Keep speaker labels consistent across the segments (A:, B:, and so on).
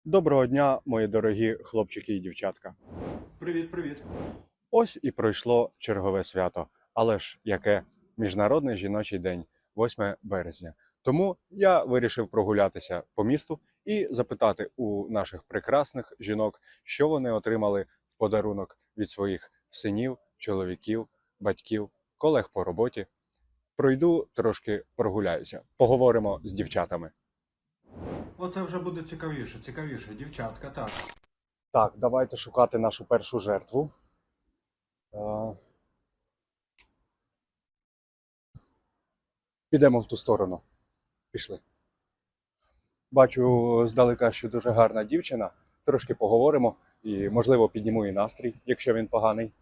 A: Доброго дня, мої дорогі хлопчики і дівчатка.
B: Привіт, привіт.
A: Ось і пройшло чергове свято. Але ж яке Міжнародний жіночий день, 8 березня. Тому я вирішив прогулятися по місту і запитати у наших прекрасних жінок, що вони отримали в подарунок від своїх синів, чоловіків, батьків, колег по роботі. Пройду трошки прогуляюся. Поговоримо з дівчатами.
B: Оце вже буде цікавіше. Дівчатка, так.
A: Так, давайте шукати нашу першу жертву. Підемо в ту сторону. Пішли. Бачу здалека, що дуже гарна дівчина. Трошки поговоримо і, можливо, підніму і настрій, якщо він поганий.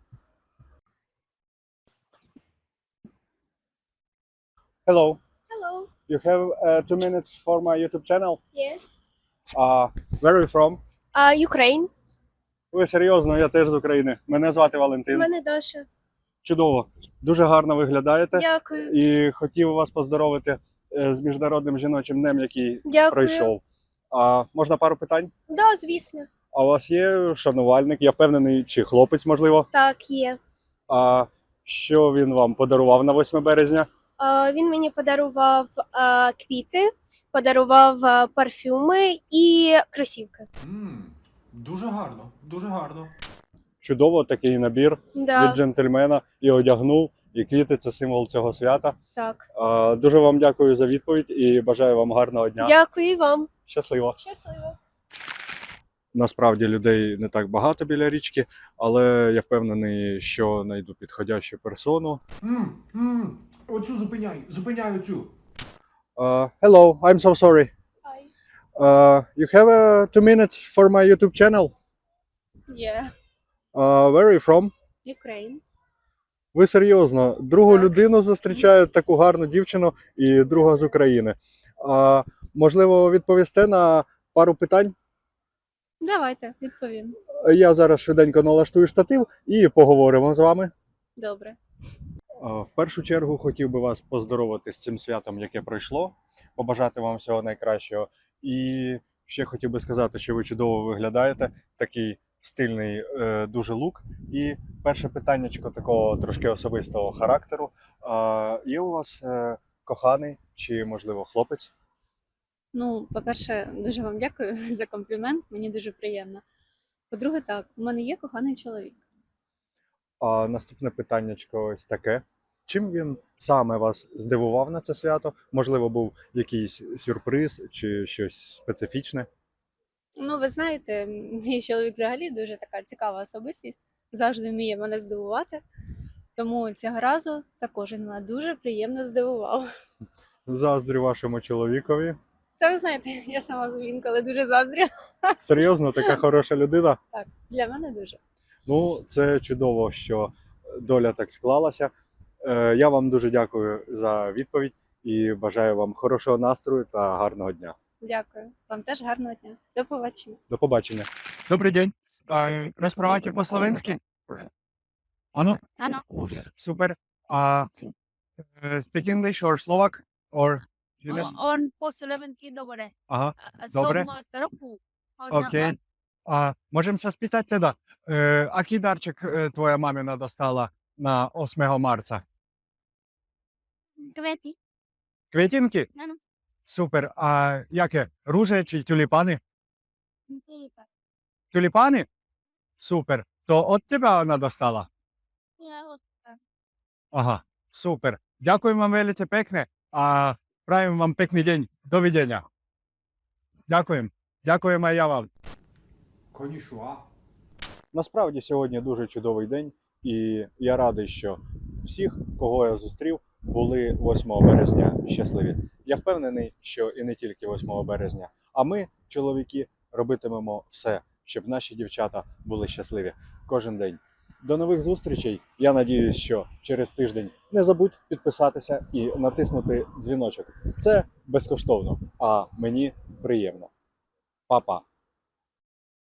A: Hello.
C: Hello.
A: You have 2 minutes for my YouTube channel?
C: Yes.
A: Where are you from?
C: Ukraine.
A: Ви серйозно, я теж з України. Мене звати Валентин.
C: Мене Даша.
A: Чудово. Дуже гарно виглядаєте.
C: Дякую.
A: І хотів вас поздоровити з Міжнародним жіночим днем, який
C: Дякую.
A: пройшов. Можна пару питань?
C: Да, звісно.
A: А у вас є шанувальник, я впевнений, чи хлопець, можливо?
C: Так, є.
A: А що він вам подарував на 8 березня?
C: Він мені подарував квіти, подарував парфюми і кросівки.
B: Дуже гарно, дуже гарно.
A: Чудово, такий набір
C: Да,
A: від джентльмена і одягнув, і квіти – це символ цього свята.
C: так.
A: Дуже вам дякую за відповідь і бажаю вам гарного дня.
C: Дякую і вам.
A: Щасливо.
C: Щасливо.
A: Насправді людей не так багато біля річки, але я впевнений, що знайду підходящу персону.
B: Оцю зупиняй оцю.
A: Hello, I'm so sorry.
C: Hi.
A: You have 2 minutes for my YouTube channel?
C: Yeah.
A: Where are you from?
C: Ukraine.
A: Ви серйозно, другу
C: Так.
A: людину зустрічаю, таку гарну дівчину і друга з України. Можливо, відповісте на пару питань?
C: Давайте, відповім.
A: Я зараз швиденько налаштую штатив і поговоримо з вами.
C: Добре.
A: В першу чергу хотів би вас поздоровити з цим святом, яке пройшло, побажати вам всього найкращого. І ще хотів би сказати, що ви чудово виглядаєте, такий стильний дуже лук. І перше питаннячко такого трошки особистого характеру. Є у вас коханий чи, можливо, хлопець?
D: Ну, по-перше, дуже вам дякую за комплімент, мені дуже приємно. По-друге, так, у мене є коханий чоловік.
A: Наступне питаннячко ось таке. Чим він саме вас здивував на це свято? Можливо, був якийсь сюрприз чи щось специфічне?
D: Ну, ви знаєте, мій чоловік взагалі дуже така цікава особистість, завжди вміє мене здивувати. Тому цього разу також він мене дуже приємно здивував.
A: Заздрю вашому чоловікові.
D: Та ви знаєте, я сама інколи дуже заздрю.
A: Серйозно, така хороша людина?
D: Так, для мене дуже.
A: Ну, це чудово, що доля так склалася. Я вам дуже дякую за відповідь і бажаю вам хорошого настрою та гарного дня.
D: Дякую. Вам теж гарного дня. До побачення.
A: До побачення.
E: Добрий день. Розправайте по-словенськи? Ано?
D: Ано.
E: Супер. Speak English or Slovak? Or...
F: On по-словенськи добре.
E: Ага, добре.
F: Року.
E: Окей. Можемо се спитати teda, aký darček tvoja mamina dostala na 8 marca?
F: Квети.
E: Квітинки?
F: Ано.
E: Супер. А яке? Руже чи тюліпани?
F: Тюліпан.
E: Тюліпани? Супер. То від тебе вона достала?
F: Я от
E: Ага, супер. Дякуємо вам велице пекне. Правимо вам пекний день. Довідення. Дякуємо. Дякуємо і я вам.
B: Конішуа.
A: Насправді сьогодні дуже чудовий день, і я радий, що всіх, кого я зустрів, були 8 березня щасливі. Я впевнений, що і не тільки 8 березня, а ми, чоловіки, робитимемо все, щоб наші дівчата були щасливі кожен день. До нових зустрічей. Я надіюсь, що через тиждень не забудь підписатися і натиснути дзвіночок. Це безкоштовно, а мені приємно. Па-па!